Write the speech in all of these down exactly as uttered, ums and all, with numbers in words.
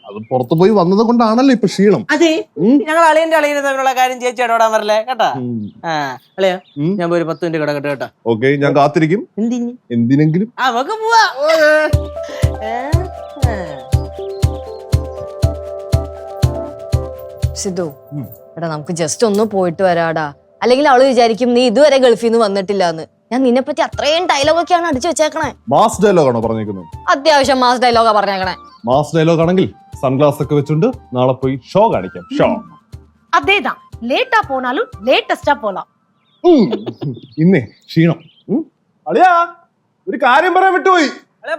അത് പുറത്തു പോയി വന്നത് കൊണ്ടാണല്ലോ ഇപ്പൊ ക്ഷീണം. അതെ, ഞങ്ങൾ അളിയന്റെ അളിയനെ തമ്മിലുള്ള കാര്യം ചേച്ചി ഇടപെടാൻ വരല്ലേ കേട്ടാ. ആ അളിയാ, ഞാൻ പോയി പത്ത് മിനിറ്റ് കിടക്കട്ടെ കേട്ടാ. ഓക്കെ, ഞാൻ കാത്തിരിക്കും. എന്തിനെങ്കിലും നമുക്ക് പോവാ. സിദ്ധു, എടാ നമുക്ക് ജസ്റ്റ് ഒന്ന് പോയിട്ട് വരാടാ. അല്ലെങ്കിൽ അവള് വിചാരിക്കും നീ ഇതുവരെ ഗൾഫിൽ നിന്ന് വന്നിട്ടില്ല എന്ന്. ഞാൻ നിന്നെ പറ്റി അത്രയും ഡയലോഗ് ഒക്കെയാണ് അടിച്ചു വെച്ചേക്കണേ. മാസ് ഡയലോഗ് ആണോ പറഞ്ഞേക്കുന്നത്? അത്യാവശ്യം മാസ് ഡയലോഗാ പറഞ്ഞേക്കണേ. മാസ് ഡയലോഗ് ആണെങ്കിൽ സൺഗ്ലാസ് ഒക്കെ വെച്ചുകൊണ്ട് നാളെ പോയി ഷോ കാണിക്കാം. ഷോ അതേതാ, ലേറ്റാ പോണാലും ലേറ്റസ്റ്റാ പോലാം. ഇന്നേ ക്ഷീണം. അളിയാ, ഒരു കാര്യം പറയാൻ വിട്ടുപോയി.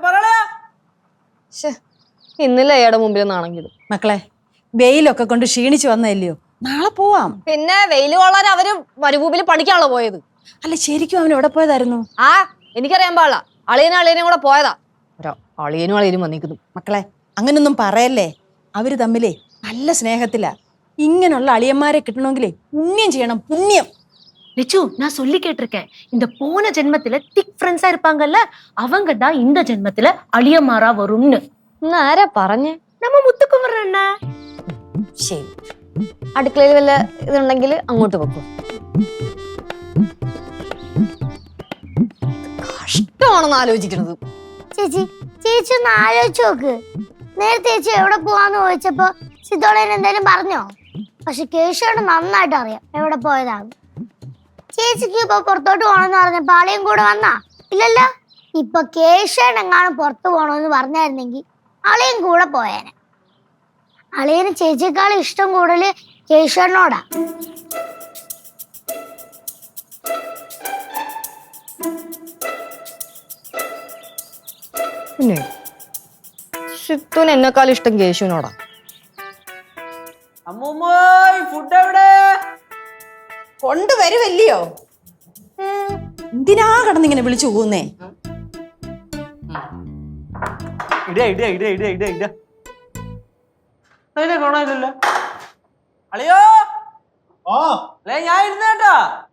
ഇന്നലെ അയാളുടെ മുമ്പിൽ നാണെങ്കിലും. മക്കളെ, വെയിലൊക്കെ കൊണ്ട് ക്ഷീണിച്ചു വന്നല്ലയോ, നാളെ പോവാം. പിന്നെ വെയില് കൊള്ളാൻ അവര് മരുഭൂമിയിൽ പഠിക്കാണല്ലോ പോയത്. അല്ല, ശരിക്കും അവൻ എവിടെ പോയതായിരുന്നു? ആ എനിക്കറിയാൻ പാടില്ല. അളിയനും അളിയനും കൂടെ പോയതാ. ഒരോ അളിയനും അളിയനും വന്നിരിക്കുന്നു. മക്കളെ, അങ്ങനൊന്നും പറയല്ലേ. അവര് തമ്മിലേ നല്ല സ്നേഹത്തിലാ. ഇങ്ങനെയുള്ള അളിയന്മാരെ കിട്ടണമെങ്കിലേ പുണ്യം ചെയ്യണം, പുണ്യം. லிச்சு, நான் சொல்லி கேட்டிருக்கேன். இந்த போன ஜென்மத்துல திக் ஃப்ரெண்ட்ஸா இருப்பாங்கல்ல, அவங்க தான் இந்த ஜென்மத்துல அழியமாறா வரும்னு. ആരാ പറഞ്ഞേ? நம்ம முத்துக்குமரன் அண்ணா. ശരി, അടുക്കളയിൽ വല്ല ഇതുണ്ടെങ്കിൽ അങ്ങോട്ട് വെക്കും. കഷ്ടമാണെന്ന് ആലോചിക്കണത്. ചേച്ചി ചേച്ചി ഒന്ന് ആലോചിച്ച് നോക്ക്. നേരത്തെ ചേച്ചി എവിടെ പോവാന്ന് ചോദിച്ചപ്പോ സിദ്ധോളേന് എന്തായാലും പറഞ്ഞോ? പക്ഷെ കേശോട് നന്നായിട്ട് അറിയാം എവിടെ പോയതാണ്. ചേച്ചിക്ക് ഇപ്പൊ പുറത്തോട്ട് പോണെന്ന് പറഞ്ഞപ്പോ ആളെയും കൂടെ വന്നാ ഇല്ലല്ലോ. ഇപ്പൊ കേശോൻ എങ്ങാനും പുറത്തു പോണോന്ന് പറഞ്ഞായിരുന്നെങ്കിൽ ആളെയും കൂടെ പോയേനെ. അളിയന് ചേച്ചിയേക്കാളും ഇഷ്ടം കൂടുതല് കേശോനോടാ. പിന്നെ സിത്തുന് എന്നെക്കാളും ഇഷ്ടം കേശുവിനോടാ. ഫുഡ് എവിടെ കൊണ്ടുവരുമല്ലയോ? എന്തിനാ കടന്നിങ്ങനെ വിളിച്ചു പോകുന്നേ? ഇട ഇട ഇട ഇട ഇട ഇട അതിനെ കാണാനില്ലല്ലോ. അളിയോ, അല്ലേ ഞാൻ ഇരുന്നേട്ടാ.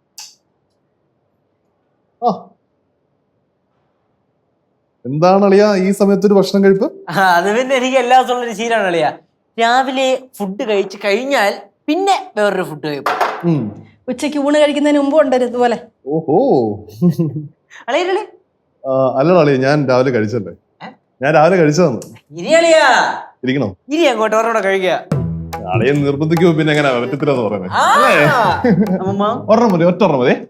എന്താണ് അളിയാ ഈ സമയത്ത് ഒരു ഭക്ഷണം കഴിപ്പ്? അത് പിന്നെ എനിക്ക് എല്ലാ ദിവസവും ഉള്ളൊരു ശീലമാണ് അളിയാ. രാവിലെ ഫുഡ് കഴിച്ച് കഴിഞ്ഞാൽ പിന്നെ വേറൊരു ഫുഡ് കഴിക്കും. ഉച്ചയ്ക്ക് ഊണ് കഴിക്കുന്നതിന് മുമ്പ് ഉണ്ടല്ലോ ഇതുപോലെ. ഓഹോ, അളിയല്ലേ? അല്ലടാ അളിയ, ഞാൻ രാവിലെ കഴിച്ചല്ലേ. ഞാൻ രാവിലെ കഴിച്ചതാണ്. ഇരി അളിയാ, ഇരിക്കണോ? ഇരി അങ്ങോട്ട് ഒരെണ്ണം കഴിക്കുക. അളിയെ നിർബന്ധിക്കുമ്പോ പിന്നെ എങ്ങനെ പറ്റത്തില്ലെന്ന് പറയുന്നത്? ഒരെണ്ണം മതി, ഒറ്റ ഒരെണ്ണം മതി.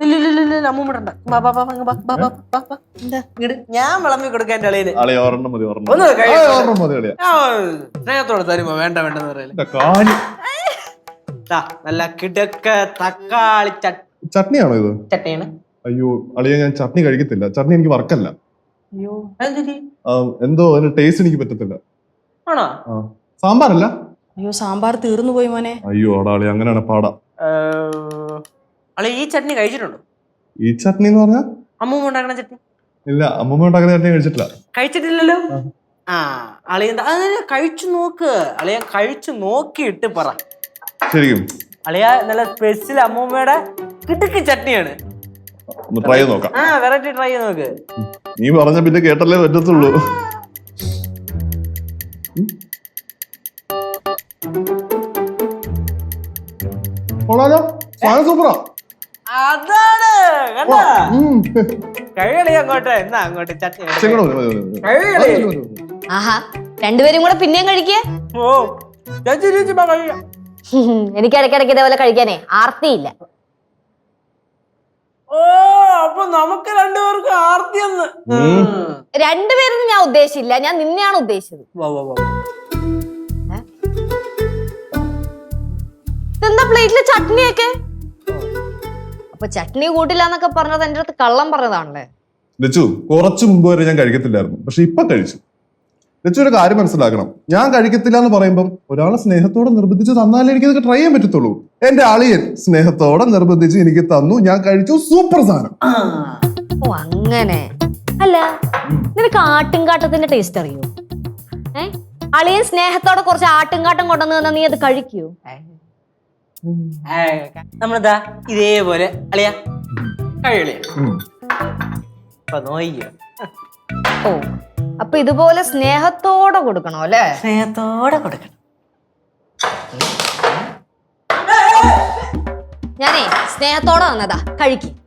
ഞാൻ വിളമ്പി കൊടുക്കാൻ അളിയന്. അളിയ ഒരെണ്ണം മതി, ഒരെണ്ണം മതി അളിയ. സ്നേഹത്തോടെ തരുമ്പോ വേണ്ട വേണ്ടെന്ന് പറയല്ലേ. നല്ല കിടക്ക തക്കാളി ചട്നിയാണോ ഇത്? ചട്നിയാണ്. അയ്യോ അളിയ, ഞാൻ ചട്നി കഴിക്കത്തില്ല. ചട്നി എനിക്ക് വർക്കല്ല. അയ്യോ, എന്തോ അതിന്റെ ടേസ്റ്റ് എനിക്ക് പറ്റത്തില്ല. ആണോ? സാമ്പാറല്ല. അയ്യോ, സാമ്പാർ തീർന്നു പോയി മോനെ. അയ്യോ അടാളി, അങ്ങനെയാണ് പാടാ. അളി ഈ ചട്നി കഴിച്ചിട്ടുണ്ടോ? ഈ ചട്നി എന്ന് പറഞ്ഞാ അമ്മൂമ്മ ഉണ്ടാക്കണ ചട്നി? ഇല്ല, അമ്മൂമ്മ ഉണ്ടാക്കുന്ന ചട്നി കഴിച്ചിട്ടില്ല. കഴിച്ചിട്ടില്ലല്ലോ. ആ അളിയ അതിന് കഴിച്ചു നോക്ക്. അളിയ കഴിച്ചു നോക്കിയിട്ട് പറ. ശരിക്കും അളിയ നല്ല സ്പെഷ്യൽ അമ്മൂമ്മയുടെ കിടുക്ക് ചട്നിയാണ്. ട്രൈ ചെയ്ത് നോക്കാം. ആ വെറൈറ്റി ട്രൈ ചെയ്ത് നോക്ക്. നീ പറഞ്ഞ പിന്നെ കേട്ടല്ലേ പറ്റത്തുള്ളൂ. സൂപ്പറാ. അതാണ് കഴിയളി അങ്ങോട്ട്. എന്നാ അങ്ങോട്ട് ചട്നി. ആഹാ, രണ്ടുപേരും കൂടെ പിന്നെയും കഴിക്കേ. ഓ കഴിയാം. എനിക്ക് ഇടയ്ക്കിടയ്ക്ക് ഇതേപോലെ കഴിക്കാനേ ആർത്തിയില്ല. ഓ, അപ്പൊ നമുക്ക് രണ്ടുപേർക്കും ആർത്തിയെന്ന്. രണ്ടുപേരും ഞാൻ ഉദ്ദേശിച്ചില്ല, ഞാൻ നിന്നെയാണ് ഉദ്ദേശിച്ചത്. ഇതെന്താ പ്ലേറ്റിലെ ചട്നിയൊക്കെ? അപ്പൊ ചട്നി കൂട്ടില്ല എന്നൊക്കെ പറഞ്ഞത് എന്റെ അടുത്ത് കള്ളം പറഞ്ഞതാണല്ലേ? ലച്ചു, കുറച്ചു മുമ്പ് വരെ ഞാൻ കഴിക്കത്തില്ലായിരുന്നു, പക്ഷെ ഇപ്പൊ കഴിച്ചു. ലച്ചു ഒരു കാര്യം മനസ്സിലാക്കണം, ഞാൻ കഴിക്കത്തില്ല എന്ന് പറയുമ്പം ഒരാളെ സ്നേഹത്തോടെ നിർബന്ധിച്ച് തന്നാലേ എനിക്ക് ഇതൊക്കെ ട്രൈ ചെയ്യാൻ പറ്റത്തുള്ളൂ. എന്റെ അളിയൻ സ്നേഹത്തോടെ നിർബന്ധിച്ച് എനിക്ക് തന്നു, ഞാൻ കഴിച്ചു. സൂപ്പർ സാധനം. ഓ അങ്ങനെ. അല്ല, നിനക്ക് ആട്ടുംകാട്ടത്തിന്റെ ടേസ്റ്റ് അറിയോ? ഏ അളിയൻ സ്നേഹത്തോടെ കുറച്ച് ആട്ടുംകാട്ടം കൊണ്ടുവന്ന് തന്നാ നീ അത് കഴിക്കൂ? നമ്മളിതാ ഇതേപോലെ അളിയ കഴിയളിയ. അപ്പൊ നോയ്യോ ഓ അപ്പൊ ഇതുപോലെ സ്നേഹത്തോടെ കൊടുക്കണോ അല്ലേ? സ്നേഹത്തോടെ കൊടുക്കണം. ഞാനേ സ്നേഹത്തോടെ വന്നതാ, കഴിക്കും.